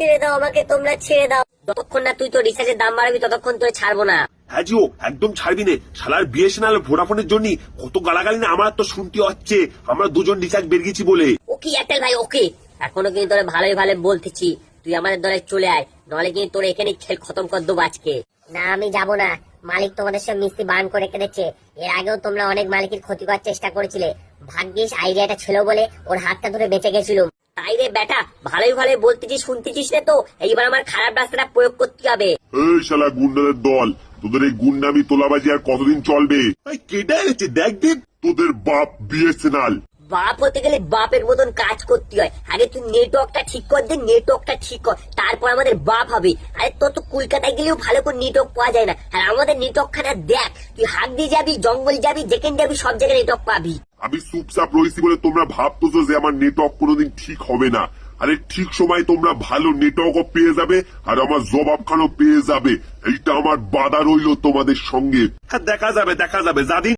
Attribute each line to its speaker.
Speaker 1: ছেড়ে দাও আমাকে, তোমরা ছেড়ে দাও। যতক্ষণ না তুই তো রিচার্জের দাম বাড়াবি ততক্ষণ তোরে ছাড়বো না।
Speaker 2: হ্যাঁ জিও, একদম ছাড়বি নে। শালার বিএসএনএল ভোডাফোনের জন্য কত গালাগালি না আমার তো শুনতে হচ্ছে, আমরা দুজন রিচার্জ বের গেছি বলে।
Speaker 1: ওকে এয়ারটেল ভাই ওকে, এখনো কিন্তু তোরে ভালোই ভালো বলতেছি, তুই আমাদের দলে চলে আয়, নলে কিন্তু তোর এখানে খেল খতম কর দেবো আজকে।
Speaker 3: না আমি যাব না, মালিক তোমাদের সব মিস্ত্রি বান করে রেখে দিচ্ছে। এর আগেও তোমরা অনেক মালিকের ক্ষতি করার চেষ্টা করেছিলে, ভাগ্যিস আইডিয়াটা ছিল বলে ওর হাতটা ধরে বেঁচে গেছিলাম।
Speaker 1: তাই রে বেটা, ভালোই ভালোই বলতেছিস শুনতেছিস না তো, এইবার আমার খারাপ রাস্তাটা প্রয়োগ করতে হবে।
Speaker 4: এই শালা গুন্ডাদের দল, তোদের এই গুন্ডামি তোলাবাজি আর কতদিন চলবে?
Speaker 2: কেটে গেছে দেখ দেখ।
Speaker 4: তোদের বাপ বিএসএনএল।
Speaker 1: বাপ হতে গেলে বাপের মতন কাজ করতে হয়। আগে তুই নেটওয়ার্কটা ঠিক কর দে, নেটওয়ার্কটা ঠিক কর, তারপর আমাদের বাপ হবে। আরে তোর তো কলকাতায় গেলেও ভালো করে নেটওয়ার্ক পাওয়া যায় না, আর আমাদের নেটওয়ার্ক খানা দেখ, তুই হাত দিয়ে যাবি, জঙ্গল যাবি, যেখানে যাবি সব জায়গায় নেটওয়ার্ক পাবি।
Speaker 4: আমি চুপচাপ রয়েছি বলে তোমরা ভাবতেছো যে আমার নেটওয়ার্ক কোনোদিন ঠিক হবে না। আরে ঠিক সময় তোমরা ভালো নেটওয়ার্কও পেয়ে যাবে আর আমার জবাবখানাও পেয়ে যাবে। এইটা আমার বাধা রইলো তোমাদের সঙ্গে।
Speaker 2: হ্যাঁ দেখা যাবে, যাদিন